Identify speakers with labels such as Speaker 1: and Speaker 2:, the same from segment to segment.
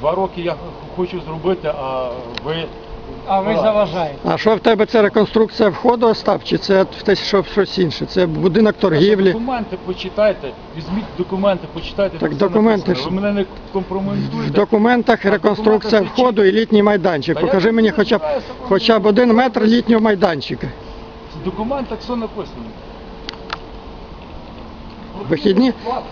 Speaker 1: 2 роки я хочу зробити, а ви...
Speaker 2: А ви заважаєте.
Speaker 3: А що в тебе, це реконструкція входу, Остап, чи це щось інше? Це будинок торгівлі?
Speaker 1: Документи почитайте, візьміть документи, почитайте.
Speaker 3: Так
Speaker 1: там все
Speaker 3: документи
Speaker 1: написано. Ви мене не компрометуєте.
Speaker 3: В документах реконструкція входу і літній майданчик.
Speaker 1: Та я
Speaker 3: Покажи мені хоча б 1 метр літнього майданчика.
Speaker 1: В документах все написано.
Speaker 3: Вихідні?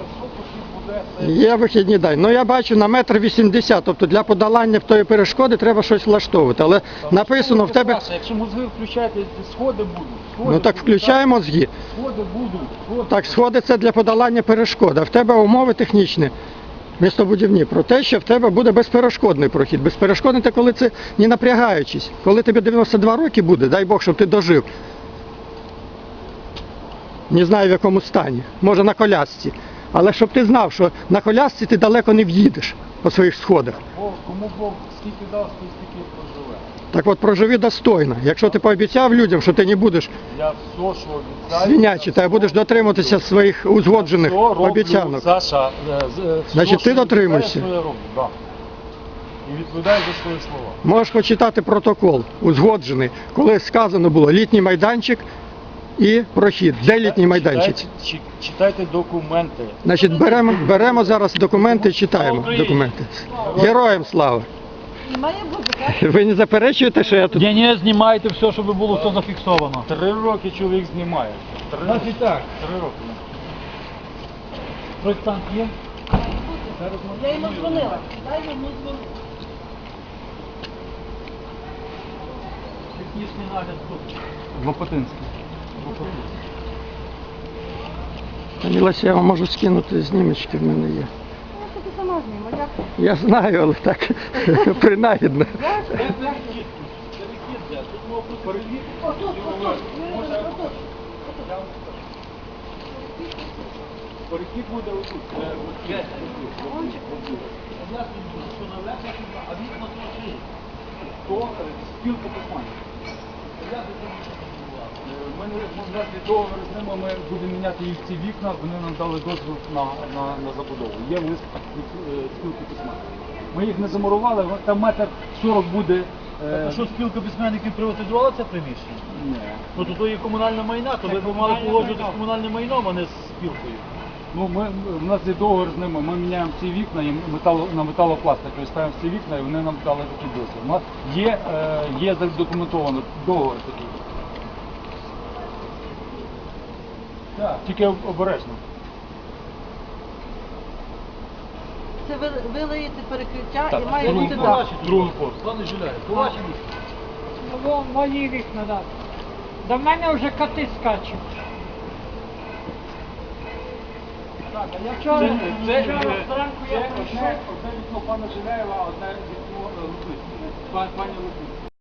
Speaker 3: Є вихідні день. Ну я бачу на 1,80 м, тобто для подолання тої перешкоди треба щось влаштовувати. Але написано в тебе...
Speaker 1: Якщо мозги включаєте, сходи будуть.
Speaker 3: Ну так включаємо мозги.
Speaker 1: Сходи будуть.
Speaker 3: Так, сходи це для подолання перешкод, а в тебе умови технічні, містобудівні, про те, що в тебе буде безперешкодний прохід. Безперешкодний – це коли це не напрягаючись. Коли тобі 92 роки буде, дай Бог, щоб ти дожив. Не знаю в якому стані, може на колясці. Але щоб ти знав, що на колясці ти далеко не в'їдеш по своїх сходах.
Speaker 1: Кому Бог скільки дав, стільки проживе.
Speaker 3: Так от проживи достойно. Якщо ти пообіцяв людям, що ти не будеш
Speaker 1: Я все, що обіцяю...
Speaker 3: свинячити, а будеш дотримуватися своїх узгоджених обіцянок.
Speaker 1: Саша,
Speaker 3: Значить, ти дотримуєшся.
Speaker 1: Я роблю, да. І відповідаю за свої слова.
Speaker 3: Можеш почитати протокол, узгоджений, коли сказано було літній майданчик і прохід. Де літній майданчик?
Speaker 1: Читайте документи.
Speaker 3: Значить, беремо зараз документи і читаємо документи. Героям слава!
Speaker 4: Має бути, так?
Speaker 3: Ви не заперечуєте, що я тут...
Speaker 2: Ні, знімайте все, щоб було все зафіксовано.
Speaker 1: 3 роки чоловік знімає. 3 роки.
Speaker 2: так.
Speaker 1: 3 роки.
Speaker 2: Проєктант є?
Speaker 4: Я йому дзвонила. Дай йому дзвонити.
Speaker 2: Технічний нагляд тут.
Speaker 1: Лопатинський.
Speaker 3: Пані Леся, я вам можу скинути знімочки, в мене є.
Speaker 4: Я тобі сама зніму, як?
Speaker 3: Я знаю, але так, принагідно.
Speaker 1: Перехід буде отут. То спілка письменників. Ми договір з ними, ми будемо міняти їх ці вікна, вони нам дали дозвіл на забудову. Є лист від спілки письменників. Ми їх не замурували, там 1,40 м буде.
Speaker 2: А що спілка письменників приватизувала це приміщення?
Speaker 1: Ні.
Speaker 2: Ну то є комунальне майна, то ви б мали погоджувати з комунальним майном, а не з спілкою.
Speaker 1: Ну, у нас є договір з ними, ми міняємо ці вікна і на металопластику ставимо ці вікна і вони нам дали такий дозвіл. У нас є задокументовано договір такий. Так, тільки обережно.
Speaker 4: Це ви лиєте перекриття
Speaker 1: Так,
Speaker 4: і має бути дах.
Speaker 1: другий поверх.
Speaker 2: Пане Жуляє, по вашій
Speaker 5: Мої вікна, так. До мене вже коти скачуть.
Speaker 1: Так, а я
Speaker 5: Вчора
Speaker 1: зранку я прийшов. Одне вікно пана Жиляєва, одне вікно Лупицького. Пані Лупицького.